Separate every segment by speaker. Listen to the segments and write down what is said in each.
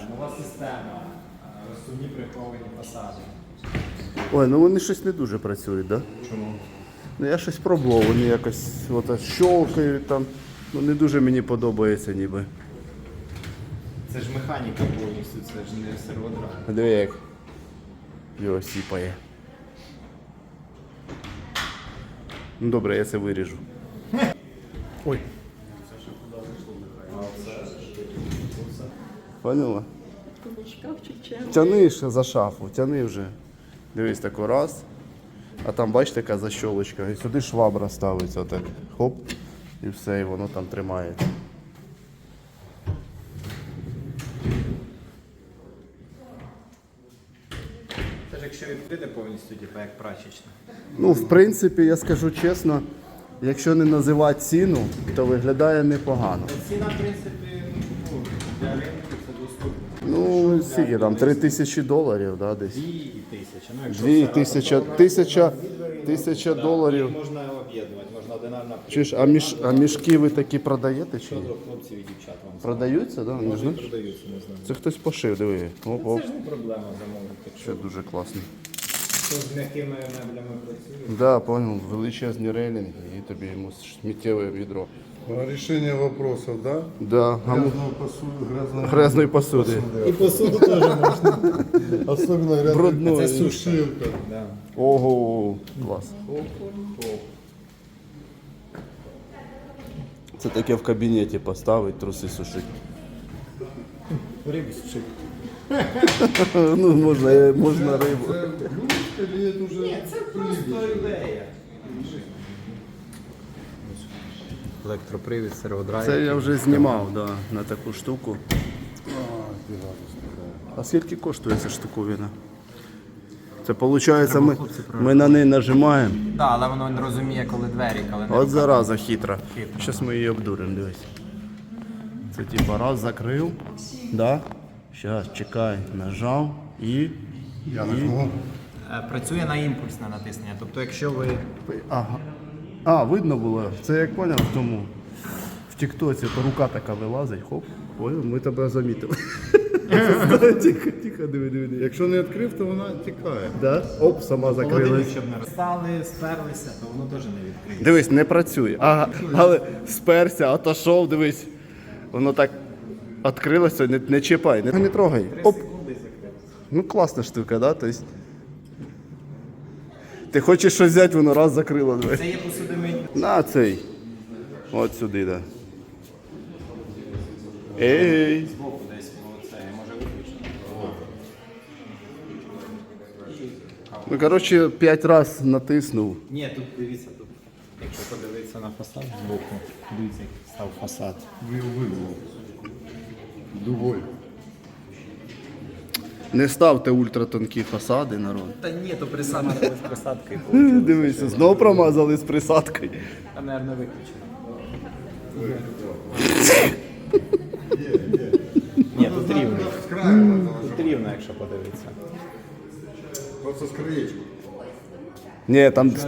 Speaker 1: Нова система, розсувні приховані фасади.
Speaker 2: Ой, ну вони щось не дуже працюють, так? Да?
Speaker 1: Чому?
Speaker 2: Ну я щось пробував, вони якось от, щолкають там. Ну не дуже мені подобається ніби.
Speaker 1: Це ж механіка повністю, це ж не серводра.
Speaker 2: Диви як його сіпає. Ну добре, я це виріжу. Ой. Поняла? Тяни ще за шафу, тяни вже. Дивись, тако раз. А там, бачите, яка защолочка. І сюди швабра ставиться отак. Хоп. І все, і воно там тримається.
Speaker 1: Це ж якщо відкрити повністю, типу як прачечна.
Speaker 2: Ну, в принципі, я скажу чесно, якщо не називати ціну, то виглядає непогано.
Speaker 1: Ціна, в принципі, ну, для ринку це доступно.
Speaker 2: Ну, скільки там, $3000, да, десь?
Speaker 1: 2000. Ну, якщо
Speaker 2: 2000 доларів.
Speaker 1: Можна об'єднувати, можна одинарна.
Speaker 2: Чуєш, а мішки ви такі продаєте чи ні?
Speaker 1: Хлопців і дівчат вам.
Speaker 2: Продаються, да? Не знаєш?
Speaker 1: Продаються, не знаю.
Speaker 2: Це хтось пошив, диви. Оп-оп.
Speaker 1: Це ж не проблема замовити. Якщо
Speaker 2: Це дуже класно.
Speaker 1: хто з м'якими меблями працює.
Speaker 2: Да, понял, величезні рейлінги і тобі йому сміттєве відро.
Speaker 3: Решение вопросов, да?
Speaker 2: Да,
Speaker 3: Грязную посуду,
Speaker 2: грязної посуди.
Speaker 1: І посуду теж можна.
Speaker 3: Особенно грязную
Speaker 2: Брудної.
Speaker 1: Це сушка.
Speaker 3: шилка.
Speaker 1: Да.
Speaker 2: Ого, клас. Це таке в кабінеті поставить, труси сушить.
Speaker 1: Рибу сушити.
Speaker 2: Ну, можна рибу.
Speaker 3: Это блюдечко или это уже
Speaker 1: Просто ідея. Електропривід, серводрайв.
Speaker 2: Це я вже знімав, да, на таку штуку. А скільки коштує ця штуковина? Це виходить, ми на неї нажимаємо.
Speaker 1: Так, але воно не розуміє, коли двері, коли не
Speaker 2: От зараза хитра. Зараз ми її обдуримо, дивись. Це типа раз закрив. Да? Зараз, чекай, нажав і.
Speaker 3: Я нажму.
Speaker 1: Працює на імпульсне натиснення. Тобто, якщо ви
Speaker 2: Ага. А, видно було. Це як поняв в тому. В тіктоці то рука така вилазить, хоп. Ой, ми тебе замітили. Тихо, тихо, диви.
Speaker 3: Якщо не відкрив, то вона тікає.
Speaker 2: Да? Оп, сама закрилась.
Speaker 1: щоб не розстали, сперлися, то воно теж не відкриє.
Speaker 2: Дивись, не працює. Ага, але сперся, отошов, дивись. Воно так відкрилося, не чіпай, не трогай. Оп. Ну класна штука, да? Тобто, ти хочеш щось взяти, воно раз закрило. Дивись.
Speaker 1: Це є посудомийні.
Speaker 2: На цей. От сюди, да. Ей.
Speaker 1: Збоку десь це може виключити.
Speaker 2: Ну, коротше, 5 разів натиснув.
Speaker 1: Ні, тут дивіться, тут. Якщо подивитися на фасад збоку, дивіться, як став фасад.
Speaker 3: Вибув. Дугой.
Speaker 2: Не ставте ультратонкі фасади, народ.
Speaker 1: Та ні, то присадка без присадки.
Speaker 2: Дивися, знов промазали з присадкою.
Speaker 1: Там, мабуть, виключено. Ні, тут рівно.
Speaker 3: З краю
Speaker 1: Тут рівно, якщо подивитися.
Speaker 3: просто з краєчку.
Speaker 2: Ні,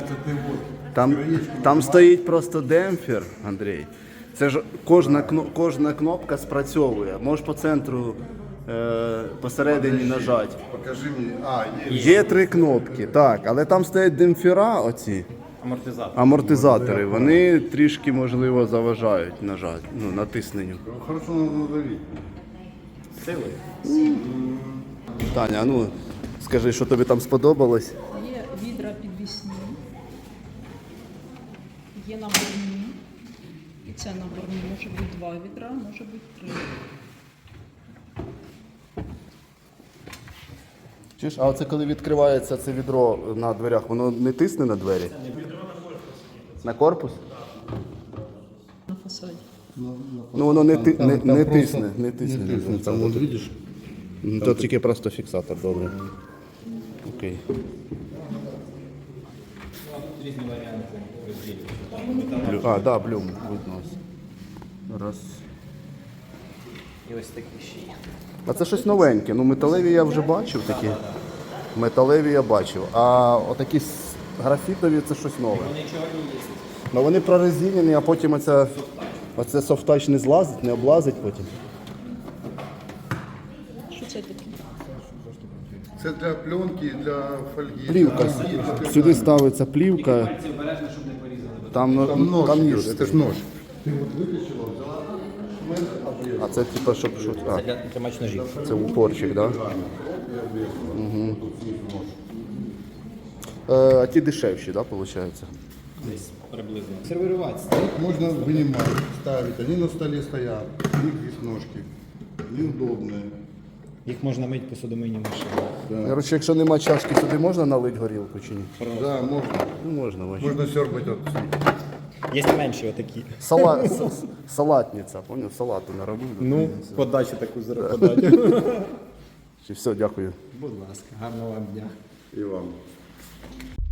Speaker 2: там стоїть просто демпфер, Андрій. Це ж кожна кнопка спрацьовує. Можеш по центру посередині нажати.
Speaker 3: Покажи мені. А, є.
Speaker 2: Є 3 кнопки, так, але там стоять демпфера оці,
Speaker 1: Амортизатор.
Speaker 2: амортизатори. Вони трішки, можливо, заважають натисненню.
Speaker 3: Хорошо надавити.
Speaker 1: Силою.
Speaker 2: Таня, а ну скажи, що тобі там сподобалось?
Speaker 4: Є відра підвісні, є наборні. І це наборні. Може бути 2 відра, може бути 3.
Speaker 2: Чуєш, а оце коли відкривається це відро на дверях, воно не тисне на двері? На корпус?
Speaker 4: На фасаді.
Speaker 2: Ну воно не
Speaker 3: просто
Speaker 2: тисне.
Speaker 3: Не тисне. Там, вот видиш,
Speaker 2: Ну, тут тільки просто фіксатор, добре. Окей.
Speaker 1: Різні варіанти розділів.
Speaker 2: А, да, блюм, видно. Раз.
Speaker 1: І ось такі ще є.
Speaker 2: А це щось новеньке. Ну, металеві я вже бачив такі. Металеві я бачив. А отакі графітові це щось нове.
Speaker 1: Вони чорні є.
Speaker 2: Ну вони прорезинені, а потім оце софтач не злазить, не облазить потім.
Speaker 4: Що це таке?
Speaker 3: Це для пленки, для фольги.
Speaker 2: Плівка.
Speaker 3: для-
Speaker 2: Сюди ставиться плівка.
Speaker 1: Пальці обережно, щоб не порізали.
Speaker 2: Там,
Speaker 3: Там нож,
Speaker 2: там
Speaker 3: идет,
Speaker 2: ніж.
Speaker 3: это ж нож. Ты вот вытащила, взяла, шмель, обрезала.
Speaker 2: А це типа, щоб щось. А,
Speaker 1: Для тримач ножів.
Speaker 2: це упорчик, так? Да?
Speaker 3: Угу. Тут снизу нож.
Speaker 2: А ті дешевші, так, да, виходить?
Speaker 1: Десь приблизно. Сервірувати.
Speaker 3: Вот можно вынимать, ставить. Они на столе стоят. У них есть ножки. Неудобные.
Speaker 1: Їх можна мити посудомийній машині.
Speaker 2: Коротше, якщо нема чашки, сюди можна налити горілку чи ні?
Speaker 3: Да, можно.
Speaker 2: Ну, можна, вообще.
Speaker 3: Можно сербать от
Speaker 1: Є менші отакі.
Speaker 2: Салатниця, поняв? Салату наробив.
Speaker 1: Ну, подачу таку подачу.
Speaker 2: Чи все, дякую.
Speaker 1: Будь ласка, гарного вам дня.
Speaker 3: и вам.